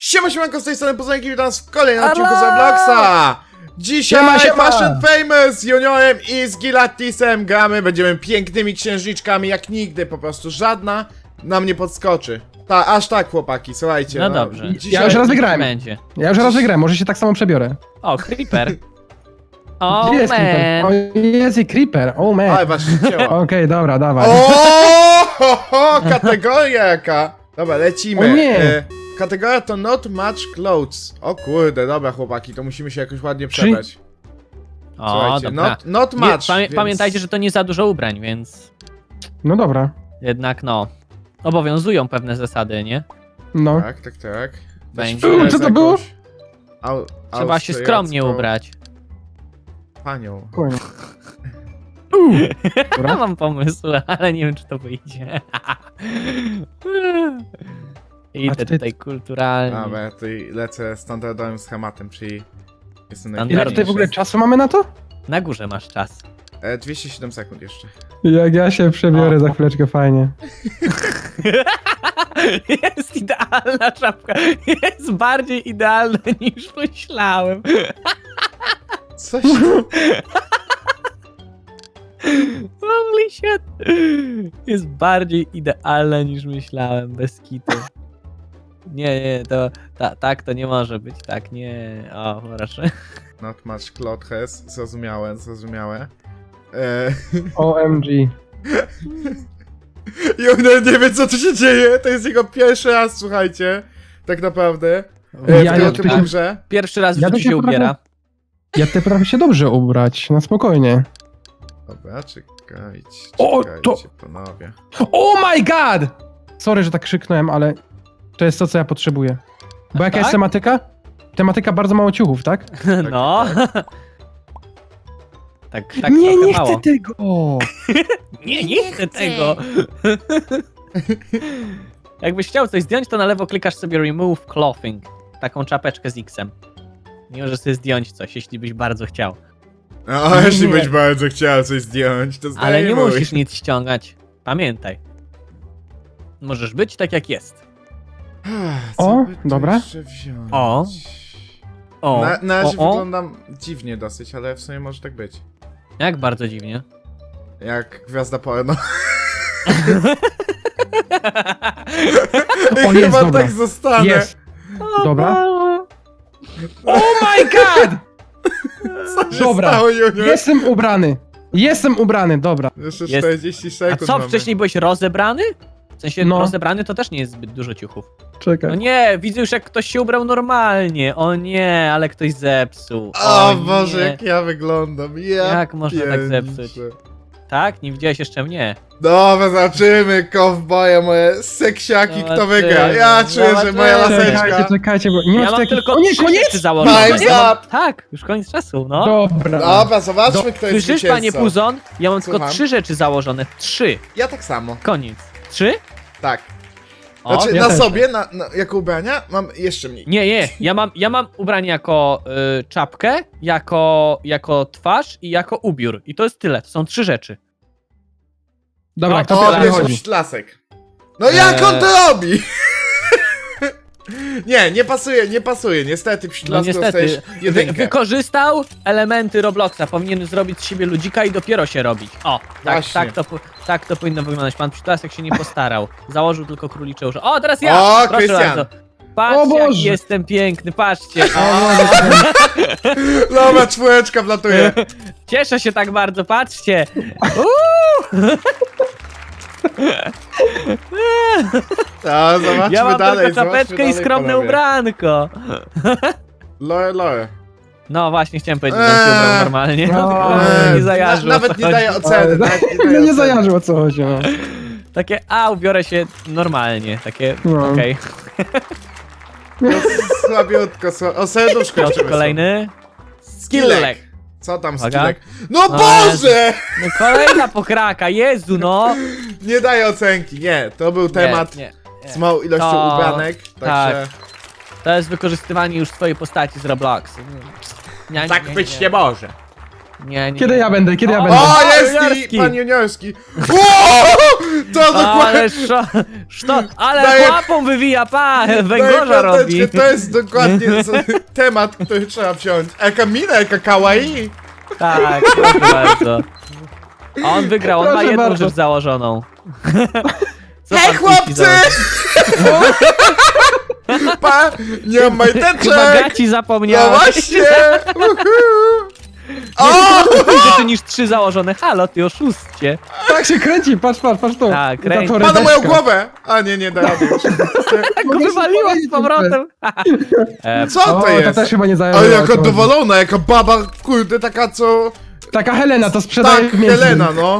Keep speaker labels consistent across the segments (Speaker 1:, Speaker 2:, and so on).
Speaker 1: Siemanko, z tej strony Poznajki, witam nas w kolejnym odcinku z Robloxa! Dzisiaj
Speaker 2: Siema.
Speaker 1: Fast and Famous z Juniorem i z Gilatisem gramy, będziemy pięknymi księżniczkami jak nigdy, po prostu żadna nam nie podskoczy. Aż tak, chłopaki, słuchajcie.
Speaker 3: No dobrze.
Speaker 1: Dzisiaj...
Speaker 2: Ja już raz wygrałem.
Speaker 3: Będzie.
Speaker 2: Ja już raz wygrałem, może się tak samo przebiorę.
Speaker 3: O, Creeper. O,
Speaker 2: Gdzie jest Creeper?
Speaker 3: man.
Speaker 2: O, jest i Creeper, oh man.
Speaker 1: Oj, właśnie cięła.
Speaker 2: Okej, dobra, dawaj.
Speaker 1: O, kategoria jaka! Dobra, lecimy.
Speaker 2: O nie.
Speaker 1: Kategoria to not much clothes. O kurde, dobra chłopaki, to musimy się jakoś ładnie przebrać.
Speaker 3: O,
Speaker 1: Słuchajcie,
Speaker 3: dobra.
Speaker 1: not
Speaker 3: Nie,
Speaker 1: much, więc...
Speaker 3: Pamiętajcie, że to nie za dużo ubrań, więc
Speaker 2: No dobra,
Speaker 3: jednak no. Obowiązują pewne zasady, nie?
Speaker 2: no.
Speaker 1: Tak.
Speaker 3: Będzie.
Speaker 1: Weź
Speaker 2: Co to było?
Speaker 1: jakąś
Speaker 3: Trzeba się skromnie
Speaker 1: austriacką
Speaker 3: ubrać.
Speaker 1: Panią.
Speaker 2: Spokojnie.
Speaker 3: Ja
Speaker 2: Dobra.
Speaker 3: mam pomysł, ale nie wiem, czy to wyjdzie. Idę
Speaker 2: ty-
Speaker 3: tutaj kulturalnie.
Speaker 1: Dobra, ja tutaj lecę standardowym schematem, czyli jestem
Speaker 3: Standard-
Speaker 2: Ile tutaj w ogóle czasu mamy na to?
Speaker 3: Na górze masz czas.
Speaker 1: 207 sekund jeszcze.
Speaker 2: Jak ja się przebiorę za chwileczkę, fajnie.
Speaker 3: Jest idealna czapka. Jest bardziej idealna niż myślałem.
Speaker 1: Coś...
Speaker 3: Holy shit. Jest bardziej idealna niż myślałem, bez kitu. Nie, to tak to nie może być, tak nie. O, proszę.
Speaker 1: Not much clothes, zrozumiałe.
Speaker 2: OMG.
Speaker 1: Junior nie wie, co tu się dzieje, to jest jego pierwszy raz, słuchajcie. Tak naprawdę.
Speaker 2: Ja
Speaker 1: w tej grze.
Speaker 3: Pierwszy raz w
Speaker 2: Ja
Speaker 3: życiu
Speaker 2: to
Speaker 3: się
Speaker 2: się
Speaker 3: ubiera.
Speaker 2: Ja te prawie się dobrze ubrać, na spokojnie.
Speaker 1: Dobra, czekajcie,
Speaker 2: O, to-
Speaker 1: panowie.
Speaker 2: Oh my god! Sorry, że tak krzyknąłem, ale to jest to, co ja potrzebuję. Bo jaka
Speaker 3: tak?
Speaker 2: jest tematyka? Tematyka bardzo mało ciuchów, tak?
Speaker 3: No. Tak
Speaker 2: nie,
Speaker 3: trochę
Speaker 2: nie
Speaker 3: mało.
Speaker 2: chcę tego!
Speaker 3: Nie chcę tego. Jakbyś chciał coś zdjąć, to na lewo klikasz sobie remove clothing. Taką czapeczkę z X-em. Nie możesz sobie zdjąć coś, jeśli byś bardzo chciał.
Speaker 1: No, jeśli
Speaker 2: Nie.
Speaker 1: byś bardzo chciał coś zdjąć, to
Speaker 3: Ale nie
Speaker 1: zdejmuj.
Speaker 3: musisz nic ściągać. Pamiętaj. Możesz być tak jak jest.
Speaker 1: Co
Speaker 2: O,
Speaker 1: by tu
Speaker 2: dobra.
Speaker 1: jeszcze wziąć?
Speaker 3: O. O,
Speaker 1: Na razie
Speaker 3: o.
Speaker 1: wyglądam dziwnie dosyć, ale w sumie może tak być.
Speaker 3: Jak bardzo dziwnie.
Speaker 1: Jak gwiazda porno.
Speaker 2: O,
Speaker 1: I
Speaker 2: jest,
Speaker 1: chyba
Speaker 2: dobra.
Speaker 1: tak zostanę.
Speaker 2: Jest! Dobra. Oh my god!
Speaker 1: Co się
Speaker 2: Dobra.
Speaker 1: stało, Junior?
Speaker 2: Jestem ubrany, dobra.
Speaker 1: Jeszcze
Speaker 3: Jest.
Speaker 1: 40
Speaker 3: A
Speaker 1: sekund
Speaker 3: co,
Speaker 1: mamy.
Speaker 3: wcześniej byłeś rozebrany? W sensie
Speaker 2: No.
Speaker 3: rozebrany to też nie jest zbyt dużo ciuchów.
Speaker 2: Czekaj.
Speaker 3: No nie, widzę już jak ktoś się ubrał normalnie. O nie, ale ktoś zepsuł.
Speaker 1: O
Speaker 3: nie.
Speaker 1: Boże, jak ja wyglądam. Ja
Speaker 3: Jak można tak
Speaker 1: pierniczę.
Speaker 3: zepsuć? Tak? Nie widziałeś jeszcze mnie.
Speaker 1: Dobra, zobaczymy, kowboje, moje seksiaki, kto
Speaker 3: Zobaczymy.
Speaker 1: wygra. Ja czuję, że moja
Speaker 3: Zobaczymy.
Speaker 1: laseczka.
Speaker 2: Czekajcie, bo nie
Speaker 3: Ja
Speaker 2: ma
Speaker 3: mam
Speaker 2: takich...
Speaker 3: tylko
Speaker 2: O nie,
Speaker 3: 3
Speaker 2: koniec!
Speaker 3: rzeczy założone.
Speaker 1: Time's
Speaker 3: Ja mam-
Speaker 1: up!
Speaker 3: Tak, już koniec czasu, no.
Speaker 2: Dobra.
Speaker 1: Dobra, zobaczmy, kto jest
Speaker 3: Słyszysz, panie
Speaker 1: zwycięzcą.
Speaker 3: Puzon? Ja mam tylko
Speaker 1: Słucham?
Speaker 3: 3 rzeczy założone. 3.
Speaker 1: Ja tak samo,
Speaker 3: Koniec. 3?
Speaker 1: tak.
Speaker 3: O,
Speaker 1: Znaczy,
Speaker 2: ja
Speaker 1: na
Speaker 2: też.
Speaker 1: sobie, jako ubrania, mam jeszcze mniej.
Speaker 3: nie. Ja mam ubranie jako czapkę, jako twarz i jako ubiór. I to jest tyle. To są 3 rzeczy.
Speaker 2: Dobra,
Speaker 3: O,
Speaker 2: kto
Speaker 1: O,
Speaker 2: pierwszy
Speaker 1: pierwszy
Speaker 2: wychodzi?
Speaker 1: pślasek. No jak on to robi? nie pasuje, niestety
Speaker 3: No
Speaker 1: pślasku
Speaker 3: niestety.
Speaker 1: dostajesz jedynkę.
Speaker 3: Wykorzystał elementy Robloxa. Powinien zrobić z siebie ludzika i dopiero się robić. O,
Speaker 1: Właśnie.
Speaker 3: tak to powinno wyglądać. Pan Przytulasek się nie postarał. Założył tylko królicze uszy. O, teraz ja!
Speaker 1: O,
Speaker 3: Proszę
Speaker 1: Krystian.
Speaker 3: bardzo. Patrzcie,
Speaker 2: O
Speaker 3: jak
Speaker 2: Boże.
Speaker 3: jestem piękny, patrzcie.
Speaker 1: Dobra, czwóreczka wlatuje.
Speaker 3: Cieszę się tak bardzo, patrzcie.
Speaker 1: A, zobaczmy
Speaker 3: Ja mam
Speaker 1: dalej,
Speaker 3: tylko czapeczkę
Speaker 1: zobaczmy
Speaker 3: i
Speaker 1: dalej,
Speaker 3: skromne
Speaker 1: panowie.
Speaker 3: ubranko.
Speaker 1: Lore.
Speaker 3: No właśnie, chciałem powiedzieć, że on się ubrał normalnie.
Speaker 2: No,
Speaker 3: Nie zajarzył.
Speaker 1: Nawet nie daje oceny. nawet nie daje
Speaker 2: Nie
Speaker 1: oceny.
Speaker 2: zajarzył, o co chodzi, no.
Speaker 3: Takie, ubiorę się normalnie. Takie,
Speaker 2: No.
Speaker 3: okej.
Speaker 1: No, słabiutko, o serduszko
Speaker 3: Piotr
Speaker 1: jeszcze
Speaker 3: kolejny.
Speaker 1: Skillek. Co tam
Speaker 3: Uwaga.
Speaker 1: skillek? No
Speaker 3: No,
Speaker 1: Boże!
Speaker 3: No kolejna pokraka, Jezu no.
Speaker 1: Nie daje ocenki, nie. To był temat
Speaker 3: Nie.
Speaker 1: z małą ilością
Speaker 3: To-
Speaker 1: ubranek, także...
Speaker 3: To jest wykorzystywanie już twojej postaci z Roblox.
Speaker 1: Tak być nie może.
Speaker 3: Nie, nie.
Speaker 2: Kiedy ja będę, kiedy ja
Speaker 3: O!
Speaker 2: będę?
Speaker 1: O, jest
Speaker 3: juniorski.
Speaker 1: i pan juniorski. O, to
Speaker 3: Ale
Speaker 1: dokładnie.
Speaker 3: ale
Speaker 1: Daję-
Speaker 3: łapą wywija, pa!
Speaker 1: Daję
Speaker 3: Węgorza robi.
Speaker 1: piąteczkę, to jest dokładnie temat, który trzeba wziąć. Eka mina, eka kawaii.
Speaker 3: Tak, proszę bardzo. A on wygrał, on ma
Speaker 2: Proszę
Speaker 3: jedną
Speaker 2: bardzo.
Speaker 3: rzecz założoną. Co
Speaker 1: Hej
Speaker 3: pan
Speaker 1: chłopcy! Pa, nie mam
Speaker 3: Chyba
Speaker 1: majteczek.
Speaker 3: gaci
Speaker 1: No
Speaker 3: zapomniałeś.
Speaker 1: właśnie. O!
Speaker 3: Rzeczy niż 3 założone. Halo, ty oszustcie.
Speaker 2: Tak się kręci, patrz tu.
Speaker 3: Tak,
Speaker 2: Za
Speaker 3: kręci.
Speaker 2: to
Speaker 1: Pana moją
Speaker 2: rybeczka.
Speaker 1: głowę! A nie da rady już.
Speaker 3: Tak go
Speaker 2: Mogę się
Speaker 3: wywaliło z
Speaker 2: powiedzieć,
Speaker 3: powrotem.
Speaker 1: Co
Speaker 2: O,
Speaker 1: to
Speaker 2: to
Speaker 1: jest?
Speaker 2: też chyba nie zajęło.
Speaker 1: Ale jaka dowolona, jaka baba, kurde, taka co...
Speaker 2: Taka Helena to sprzedaje
Speaker 1: Tak,
Speaker 2: w miejscu.
Speaker 1: Helena, no.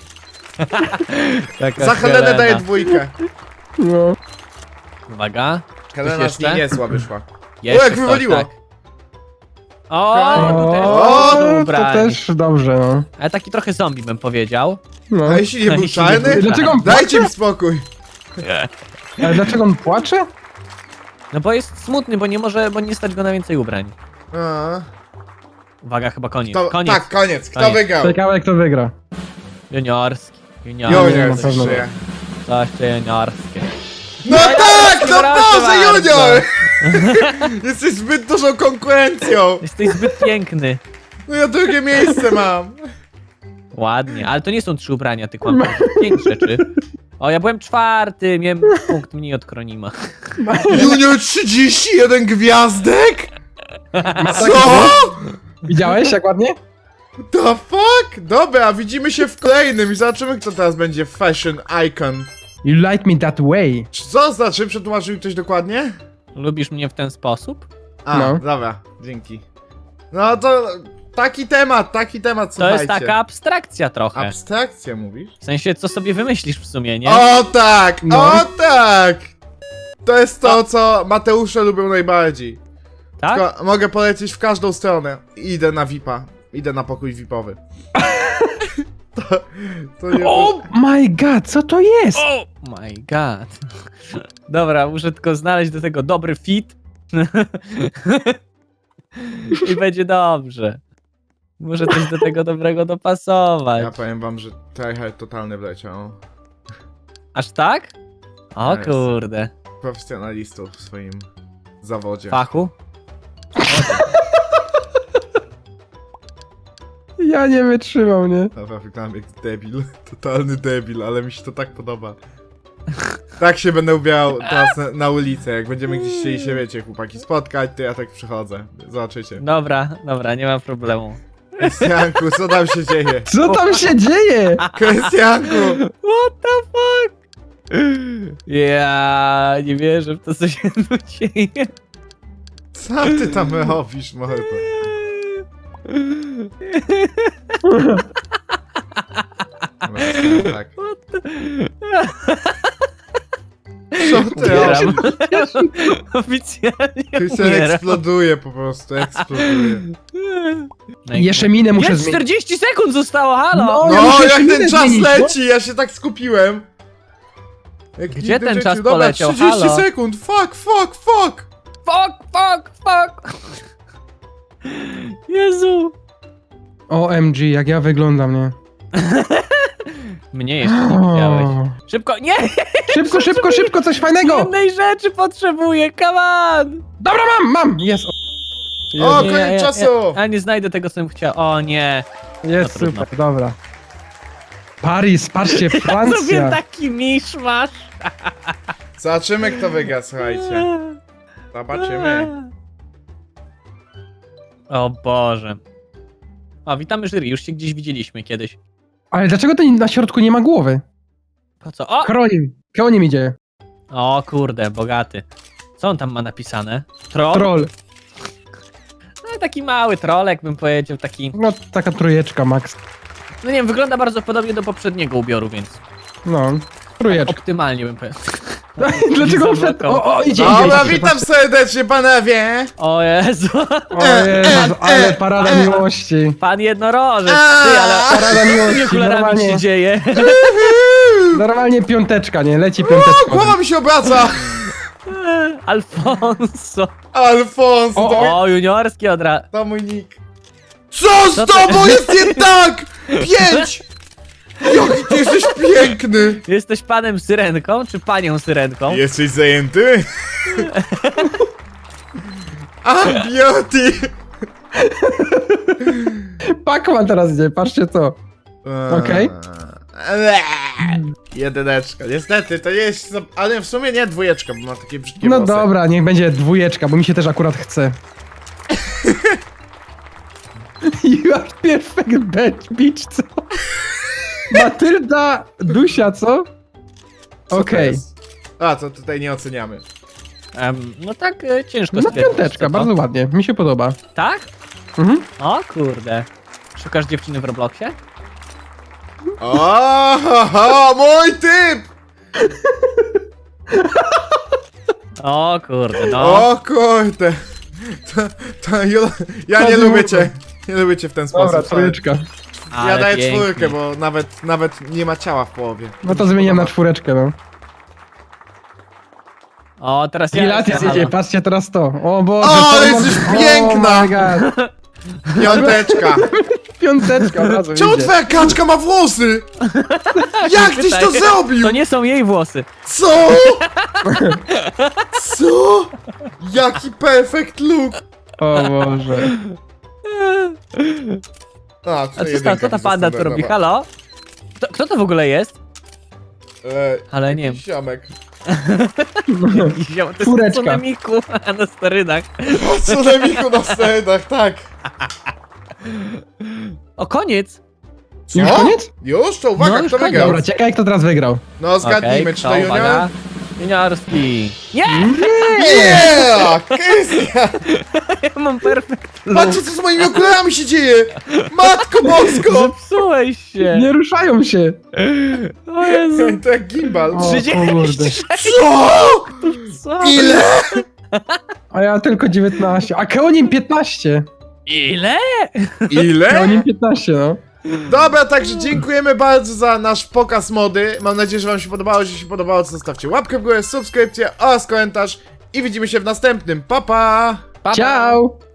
Speaker 3: Taka
Speaker 1: Za Helenę daję 2.
Speaker 2: No.
Speaker 3: Uwaga.
Speaker 1: Helena z
Speaker 3: jeszcze?
Speaker 1: niej niezła wyszła.
Speaker 3: Jeszcze
Speaker 1: jak
Speaker 3: ktoś,
Speaker 1: wywaliło.
Speaker 3: tak. O, tutaj
Speaker 1: O,
Speaker 3: jest
Speaker 2: to
Speaker 3: ubranie.
Speaker 2: też dobrze, no.
Speaker 3: Ale taki trochę zombie bym powiedział.
Speaker 2: No.
Speaker 1: A jeśli nie był
Speaker 3: Jeśli nie
Speaker 1: czarny?
Speaker 3: był-
Speaker 2: Dlaczego on
Speaker 1: Dajcie mi spokój.
Speaker 2: Ale dlaczego on płacze?
Speaker 3: No bo jest smutny, bo nie stać go na więcej ubrań.
Speaker 1: A,
Speaker 3: Uwaga, chyba koniec.
Speaker 1: to,
Speaker 3: Koniec.
Speaker 1: tak, koniec. Kto
Speaker 3: Koniec.
Speaker 1: wygrał?
Speaker 2: Ciekawe kto wygra.
Speaker 3: Juniorski.
Speaker 1: Junior,
Speaker 2: na pewno.
Speaker 1: żyje.
Speaker 3: Coś to juniorskie.
Speaker 1: No tak, no
Speaker 3: proszę
Speaker 1: Boże,
Speaker 3: bardzo.
Speaker 1: Junior! Jesteś zbyt dużą konkurencją.
Speaker 3: Jesteś zbyt piękny.
Speaker 1: No ja drugie miejsce mam.
Speaker 3: Ładnie, ale to nie są 3 ubrania, ty kłamie. 5 rzeczy. O, ja byłem 4, miałem punkt mniej od Kronima.
Speaker 1: Junior 31 gwiazdek? Co?
Speaker 2: Widziałeś jak ładnie?
Speaker 1: The fuck? Dobra, widzimy się w kolejnym i zobaczymy, kto teraz będzie fashion icon.
Speaker 2: You like me that way.
Speaker 1: Co znaczy? Przetłumaczył mi ktoś dokładnie?
Speaker 3: Lubisz mnie w ten sposób?
Speaker 1: A,
Speaker 2: No.
Speaker 1: dobra, dzięki. No to taki temat,
Speaker 3: To
Speaker 1: słuchajcie.
Speaker 3: jest taka abstrakcja trochę.
Speaker 1: Abstrakcja mówisz?
Speaker 3: W sensie, co sobie wymyślisz w sumie, nie?
Speaker 1: O tak,
Speaker 2: No.
Speaker 1: o tak! To jest to, co Mateusze lubią najbardziej.
Speaker 3: Tak?
Speaker 1: Tylko mogę polecieć w każdą stronę. Idę na VIP-a. Idę na pokój VIP-owy. to nie...
Speaker 2: Oh my god, co to jest?
Speaker 3: Oh my god. Dobra, muszę tylko znaleźć do tego dobry fit. I będzie dobrze. Muszę coś do tego dobrego dopasować.
Speaker 1: Ja powiem wam, że tryhard totalny wleciał.
Speaker 3: Aż tak? O
Speaker 1: Nice.
Speaker 3: kurde.
Speaker 1: Profesjonalistów w swoim zawodzie.
Speaker 3: Fachu?
Speaker 2: Ja nie wytrzymam, nie?
Speaker 1: Dobra, wyglądam jak debil. Totalny debil, ale mi się to tak podoba. Tak się będę ubierał teraz na ulicę. Jak będziemy gdzieś chcieli się, wiecie, chłopaki spotkać, to ja tak przychodzę. Zobaczycie.
Speaker 3: Dobra, nie ma problemu.
Speaker 1: Krystianku, co tam się dzieje?
Speaker 2: Co tam się dzieje?
Speaker 1: Krystianku!
Speaker 3: What the fuck? Ja nie wierzę w to, co się tu dzieje.
Speaker 1: Co ty tam robisz, mordo? Dobra, tak. Co ty robisz?
Speaker 3: Umieram. Oficjalnie
Speaker 1: Krystian
Speaker 3: umieram.
Speaker 1: eksploduje po prostu, eksploduje.
Speaker 2: Jeszcze minę muszę
Speaker 3: Jest
Speaker 2: zmienić.
Speaker 3: 40 sekund zostało, halo!
Speaker 2: No. ja
Speaker 1: No,
Speaker 2: muszę
Speaker 1: jak
Speaker 2: jeszcze
Speaker 1: ten
Speaker 2: minę
Speaker 1: czas
Speaker 2: zmienić, no.
Speaker 1: leci, ja się tak skupiłem. Jak
Speaker 3: Gdzie
Speaker 1: nigdy w
Speaker 3: ten
Speaker 1: życiu.
Speaker 3: czas
Speaker 1: Dobra,
Speaker 3: poleciał?
Speaker 1: 30
Speaker 3: Halo?
Speaker 1: sekund, fuck!
Speaker 3: Fuck! Jezu!
Speaker 2: OMG, jak ja wyglądam, nie?
Speaker 3: Mnie jeszcze nie widziałeś. Szybko, nie!
Speaker 2: Szybko, coś fajnego!
Speaker 3: Jednej rzeczy potrzebuję, come on!
Speaker 2: Dobra, mam! Jest!
Speaker 1: O,
Speaker 3: Nie,
Speaker 1: koniec czasu!
Speaker 3: Ja nie znajdę tego, co bym chciał. O nie!
Speaker 2: Jest
Speaker 3: No trudno.
Speaker 2: super, dobra. Paris, patrzcie,
Speaker 3: Zrobię
Speaker 2: Francja!
Speaker 3: taki miszmasz.
Speaker 1: Zobaczymy, kto wygra, słuchajcie. Zobaczymy.
Speaker 3: O Boże. O, witamy jury, już się gdzieś widzieliśmy kiedyś.
Speaker 2: Ale dlaczego to na środku nie ma głowy?
Speaker 3: Po co? O!
Speaker 2: Kronim idzie.
Speaker 3: O kurde, bogaty. Co on tam ma napisane? Troll?
Speaker 2: Troll.
Speaker 3: No taki mały trolek bym powiedział, taki...
Speaker 2: No, taka trójeczka, max.
Speaker 3: No nie wiem, wygląda bardzo podobnie do poprzedniego ubioru, więc...
Speaker 2: No, trójeczka.
Speaker 3: Optymalnie bym powiedział.
Speaker 2: Dlaczego
Speaker 3: Nie
Speaker 2: wszedł?
Speaker 3: zablokował.
Speaker 2: O, idzie,
Speaker 1: Dobra,
Speaker 2: idzie.
Speaker 1: witam serdecznie, panowie!
Speaker 3: O Jezu!
Speaker 2: O Jezu, ale parada miłości.
Speaker 3: Pan jednorożec, ty, ale...
Speaker 2: Parada
Speaker 3: Z tymi
Speaker 2: miłości,
Speaker 3: okularami
Speaker 2: normalnie,
Speaker 3: się dzieje.
Speaker 2: normalnie piąteczka, nie? Leci
Speaker 1: O,
Speaker 2: piąteczka.
Speaker 1: głowa mi się obraca!
Speaker 3: Alfonso.
Speaker 1: Alfonso, to mój,
Speaker 3: O, juniorski od razu.
Speaker 1: to mój nick. Co z
Speaker 3: Co ty-
Speaker 1: tobą jest nie tak? 5! Jaki ty jesteś piękny!
Speaker 3: Jesteś panem syrenką, czy panią syrenką?
Speaker 1: Jesteś zajęty? A, beauty!
Speaker 2: Pac-Man teraz idzie, patrzcie to. Okej.
Speaker 1: Jedyneczka. Niestety, to jest... Ale w sumie nie dwójeczka, bo ma takie brzydkie
Speaker 2: No
Speaker 1: włosy.
Speaker 2: dobra, niech będzie dwójeczka, bo mi się też akurat chce. You are perfect bitch, co? Matylda Dusia, co?
Speaker 1: Co to
Speaker 2: Okej.
Speaker 1: jest? A, to tutaj nie oceniamy.
Speaker 3: No tak ciężko
Speaker 2: No
Speaker 3: stwierdzić,
Speaker 2: piąteczka,
Speaker 3: co to.
Speaker 2: bardzo ładnie, mi się podoba.
Speaker 3: Tak?
Speaker 2: Mhm.
Speaker 3: O kurde. Szukasz dziewczyny w Robloxie?
Speaker 1: O, mój typ!
Speaker 3: O kurde, no.
Speaker 1: O kurde. Ja nie
Speaker 2: Chodzi
Speaker 1: lubię
Speaker 2: mu-
Speaker 1: cię. Nie lubię cię w ten sposób.
Speaker 2: Dobra, trójeczka.
Speaker 1: Ja
Speaker 3: Ale
Speaker 1: daję
Speaker 3: pięknie.
Speaker 1: czwórkę, bo nawet nie ma ciała w połowie.
Speaker 2: No to zmieniam na czwóreczkę, no.
Speaker 3: O, teraz ja.
Speaker 2: Pilates
Speaker 3: jestem,
Speaker 2: jedzie,
Speaker 3: halo.
Speaker 2: patrzcie teraz to. O Boże.
Speaker 1: O, ale
Speaker 2: to-
Speaker 1: jesteś
Speaker 2: Oh
Speaker 1: piękna!
Speaker 2: my god.
Speaker 1: Piąteczka.
Speaker 2: Piąteczka od razu
Speaker 1: Czemu
Speaker 2: idzie.
Speaker 1: twoja kaczka ma włosy? Jak tyś to
Speaker 3: Pytaj.
Speaker 1: zrobił?
Speaker 3: To nie są jej włosy.
Speaker 1: Co? Co? Jaki perfect look.
Speaker 2: O Boże.
Speaker 1: A,
Speaker 3: A
Speaker 1: tutaj
Speaker 3: co
Speaker 1: jedynka
Speaker 3: ta
Speaker 1: mi
Speaker 3: panda tu robi? Halo? Kto to w ogóle jest? Ale nie wiem.
Speaker 1: Ziomek.
Speaker 3: Jakiś ziom- To jest
Speaker 2: Czwóreczka.
Speaker 3: tsunamiku na sterydach.
Speaker 1: O tsunamiku na scenach, tak.
Speaker 3: O, koniec!
Speaker 1: Co?
Speaker 2: Już koniec?
Speaker 1: Już? To uwaga,
Speaker 3: No, już
Speaker 1: kto
Speaker 3: koniec.
Speaker 1: wygrał?
Speaker 2: Dobra, ciekawe kto teraz wygrał.
Speaker 1: No zgadnijmy,
Speaker 3: Okej,
Speaker 1: czy
Speaker 3: kto,
Speaker 1: to Junior?
Speaker 3: uwaga. Juniorski. Nie!
Speaker 1: Yeah! Krystian!
Speaker 3: Ja mam perfekt.
Speaker 1: Patrzcie, co z moimi okularami się dzieje! Matko bosko!
Speaker 3: Zepsułeś się.
Speaker 2: Nie ruszają się.
Speaker 3: O Jezu.
Speaker 1: To jak gimbal.
Speaker 2: O, kurde.
Speaker 3: 36.
Speaker 1: Co?
Speaker 3: Co?
Speaker 1: Ile?
Speaker 2: A ja tylko 19. A Keonim 15.
Speaker 3: Ile?
Speaker 1: Ile?
Speaker 2: Keonim 15, no.
Speaker 1: Dobra, także dziękujemy bardzo za nasz pokaz mody. Mam nadzieję, że wam się podobało. Jeśli się podobało, to zostawcie łapkę w górę, subskrypcję oraz komentarz. I widzimy się w następnym. Pa, pa!
Speaker 3: Pa, pa.
Speaker 2: Ciao!